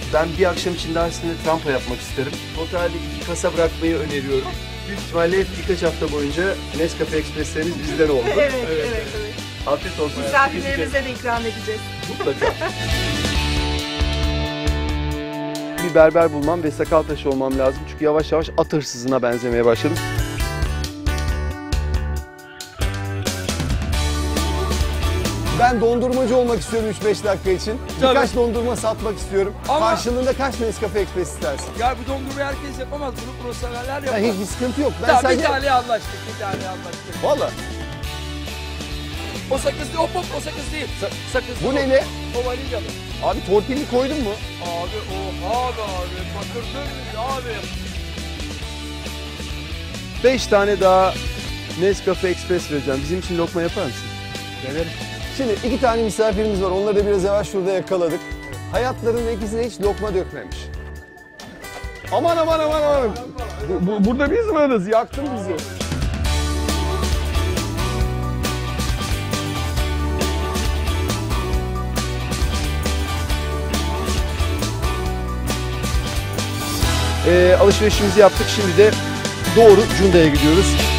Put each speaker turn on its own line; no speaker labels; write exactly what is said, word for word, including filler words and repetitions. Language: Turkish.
Ben bir akşam içinde aslında trampa yapmak isterim. Totalde iki kasa bırakmayı öneriyorum. Büyük ihtimalle birkaç hafta boyunca Nescafe Express'leriniz bizden oldu.
Evet, evet, evet. evet.
Afiyet olsun.
Misafirlerimize de ikram edeceğiz.
Mutlaka. Bir berber bulmam ve sakal tıraşı olmam lazım. Çünkü yavaş yavaş at hırsızına benzemeye başladım.
Ben dondurmacı olmak istiyorum üç beş dakika için.
Tabii.
Birkaç dondurma satmak istiyorum.
Ama-
Karşılığında kaç Nescafe Express istersin?
Ya bu dondurmayı herkes yapamaz. Bunu profesyoneller yapar.
Ya hiçbir sıkıntı yok. Ben
Tamam,
sadece...
bir tane anlaştık. Bir tane anlaştık.
Valla.
O sakız değil. Hop hop o sakız değil. Sa sakız.
Bu ne ne?
O vanilyalı.
Abi torpilli koydun mu?
Abi oha be abi. Bakırdın abi.
Beş tane daha Nescafe Express vereceğim. Bizim için lokma yapar mısın?
Denerim. Şimdi iki tane misafirimiz var. Onları da biraz yavaş şurada yakaladık. Hayatlarında ikisi de hiç lokma dökmemiş. Aman aman aman aman. Bu, bu, burada biz varız. Yaktın bizi.
Ee, alışverişimizi yaptık. Şimdi de doğru Cunda'ya gidiyoruz.